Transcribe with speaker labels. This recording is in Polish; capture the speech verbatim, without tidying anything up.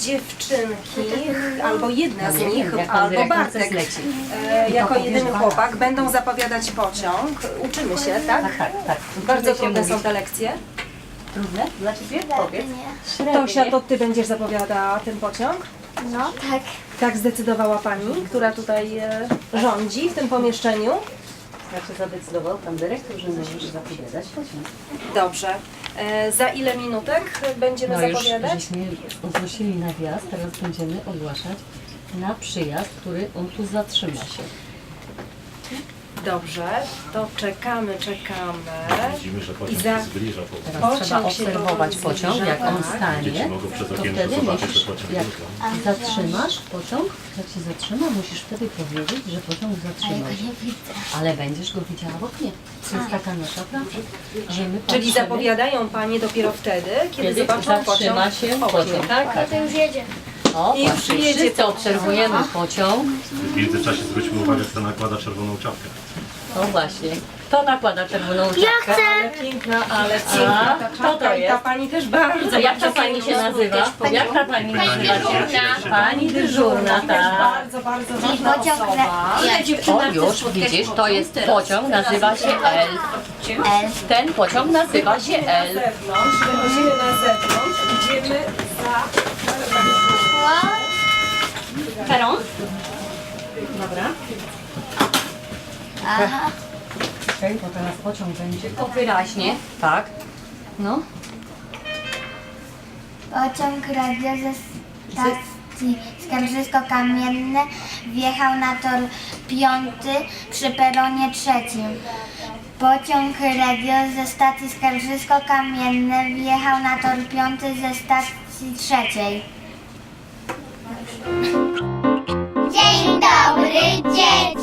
Speaker 1: dziewczynki, albo jedna z
Speaker 2: nie
Speaker 1: nich,
Speaker 2: wiem, jak pan
Speaker 1: albo
Speaker 2: dyrektor
Speaker 1: Bartek,
Speaker 2: coś leci.
Speaker 1: e, jako
Speaker 2: powiesz
Speaker 1: jedyny
Speaker 2: Barbara.
Speaker 1: chłopak, będą zapowiadać pociąg. Uczymy się, tak?
Speaker 2: Tak, tak, tak.
Speaker 1: Bardzo
Speaker 2: Uczymy się
Speaker 1: trudne są
Speaker 2: mówić.
Speaker 1: te lekcje.
Speaker 2: Trudne? Dla Ciebie? Powiedz.
Speaker 1: Tosia, to Ty będziesz zapowiadała ten pociąg?
Speaker 3: No tak.
Speaker 1: Tak zdecydowała Pani, która tutaj e, rządzi w tym pomieszczeniu.
Speaker 2: Znaczy zadecydował Pan Dyrektor, że możesz zapowiadać pociąg.
Speaker 1: Dobrze. E, za ile minutek będziemy
Speaker 2: No już
Speaker 1: zapowiadać?
Speaker 2: żeśmy ogłosili na wjazd, teraz będziemy ogłaszać na przyjazd, który on tu zatrzyma się.
Speaker 1: Dobrze, to czekamy, czekamy.
Speaker 4: Widzimy, że
Speaker 1: I
Speaker 4: pociąg
Speaker 1: za-
Speaker 4: się zbliża powoli.
Speaker 2: Teraz
Speaker 1: Pociąg
Speaker 2: trzeba
Speaker 1: się
Speaker 2: obserwować
Speaker 1: powoli
Speaker 2: pociąg,
Speaker 1: zbliża,
Speaker 2: jak on
Speaker 1: tak.
Speaker 2: stanie,
Speaker 4: Dzieci mogą przez
Speaker 2: to
Speaker 4: okienko
Speaker 2: wtedy
Speaker 4: zobaczyć,
Speaker 2: musisz,
Speaker 4: że pociąg
Speaker 2: jak
Speaker 4: rusza.
Speaker 2: zatrzymasz pociąg, jak się zatrzyma, musisz wtedy powiedzieć, że pociąg zatrzymał się. Ale będziesz go widziała w oknie. To jest taka nasza praca, że my
Speaker 1: Czyli
Speaker 2: patrzymy,
Speaker 1: zapowiadają Panie dopiero wtedy, kiedy,
Speaker 2: kiedy
Speaker 1: zobaczą
Speaker 2: zatrzyma
Speaker 1: pociąg
Speaker 2: się
Speaker 1: w oknie,
Speaker 2: pociąg.
Speaker 1: tak?
Speaker 2: Tak.
Speaker 3: To już jedzie.
Speaker 2: O,
Speaker 1: I już
Speaker 2: właśnie,
Speaker 1: jedzie
Speaker 2: wszyscy
Speaker 1: pociąg.
Speaker 2: obserwujemy pociąg.
Speaker 4: W międzyczasie zwróćmy uwagę, kto nakłada czerwoną czapkę.
Speaker 2: No właśnie, kto nakłada czerwoną czapkę?
Speaker 1: Ale piękna, ale piękna ta
Speaker 2: kto
Speaker 1: czapka
Speaker 2: to
Speaker 1: i ta
Speaker 2: jest?
Speaker 1: Pani też bardzo,
Speaker 2: A jak ta
Speaker 1: bardzo
Speaker 2: pani się
Speaker 1: piękna.
Speaker 2: nazywa?
Speaker 1: Pani-
Speaker 2: Jak ta pani nazywa się?
Speaker 4: dyżurna.
Speaker 2: Pani dyżurna,
Speaker 1: Też
Speaker 2: tak.
Speaker 1: bardzo, bardzo ważna
Speaker 3: pociąg
Speaker 1: osoba.
Speaker 2: O, już widzisz, to jest pociąg, nazywa się L. Ten pociąg nazywa się
Speaker 1: Wychodzimy na
Speaker 2: L.
Speaker 1: zewnątrz, wychodzimy na zewnątrz, idziemy za...
Speaker 2: Peron? Dobra.
Speaker 3: Aha.
Speaker 2: Okej, bo teraz pociąg będzie to wyraźnie. Tak. No.
Speaker 3: Pociąg radio ze stacji Skarżysko-Kamienne wjechał na tor piąty przy peronie trzecim. Pociąg radio ze stacji Skarżysko-Kamienne wjechał na tor piąty ze stacji trzeciej.
Speaker 5: Dzień dobry, dzieci!